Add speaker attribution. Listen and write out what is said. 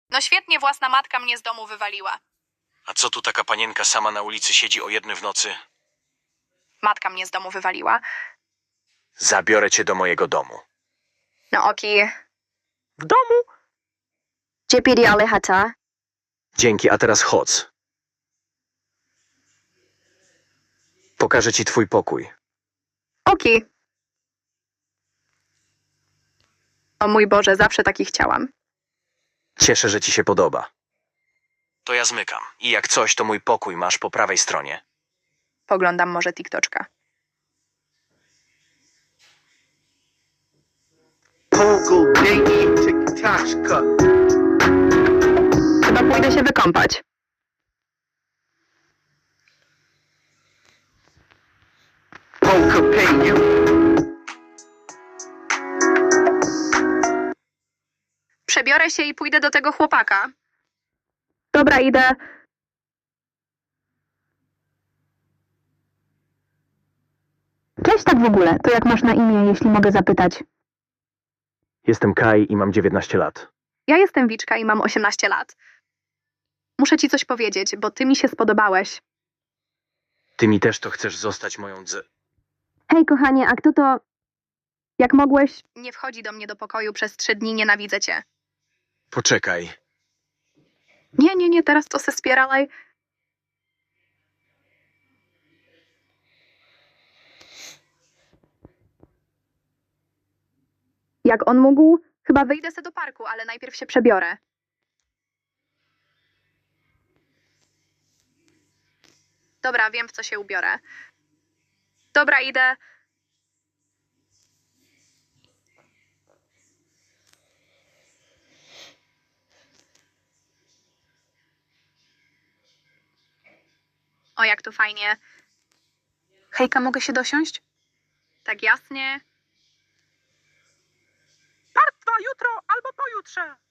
Speaker 1: No świetnie, własna matka mnie z domu wywaliła.
Speaker 2: A co tu taka panienka sama na ulicy siedzi o 1 w nocy?
Speaker 1: Matka mnie z domu wywaliła.
Speaker 2: Zabiorę cię do mojego domu.
Speaker 1: No oki.
Speaker 2: W domu?
Speaker 3: Dzięki, ale hata.
Speaker 2: Dzięki, a teraz chodź. Pokażę ci twój pokój.
Speaker 1: Oki. O mój Boże, zawsze taki chciałam.
Speaker 2: Cieszę, że ci się podoba. To ja zmykam. I jak coś, to mój pokój masz po prawej stronie.
Speaker 1: Poglądam może TikToczka.
Speaker 4: Pogo, Biggie, TikToczka.
Speaker 1: Chyba pójdę się wykąpać.
Speaker 4: Poker pay you.
Speaker 1: Przebiorę się i pójdę do tego chłopaka. Dobra, idę.
Speaker 3: Cześć tak w ogóle. To jak masz na imię, jeśli mogę zapytać?
Speaker 2: Jestem Kai i mam 19 lat.
Speaker 1: Ja jestem Wiczka i mam 18 lat. Muszę ci coś powiedzieć, bo ty mi się spodobałeś.
Speaker 2: Ty mi też to chcesz zostać moją
Speaker 3: Hej, kochanie, a kto to... Jak mogłeś...
Speaker 1: Nie wchodzi do mnie do pokoju przez 3 dni, nienawidzę cię.
Speaker 2: Poczekaj.
Speaker 1: Nie, teraz to se spieralaj. Jak on mógł? Chyba wyjdę se do parku, ale najpierw się przebiorę. Dobra, wiem, w co się ubiorę. Dobra, idę. O, jak tu fajnie. Hejka, mogę się dosiąść? Tak jasnie.
Speaker 5: Partwa jutro albo pojutrze.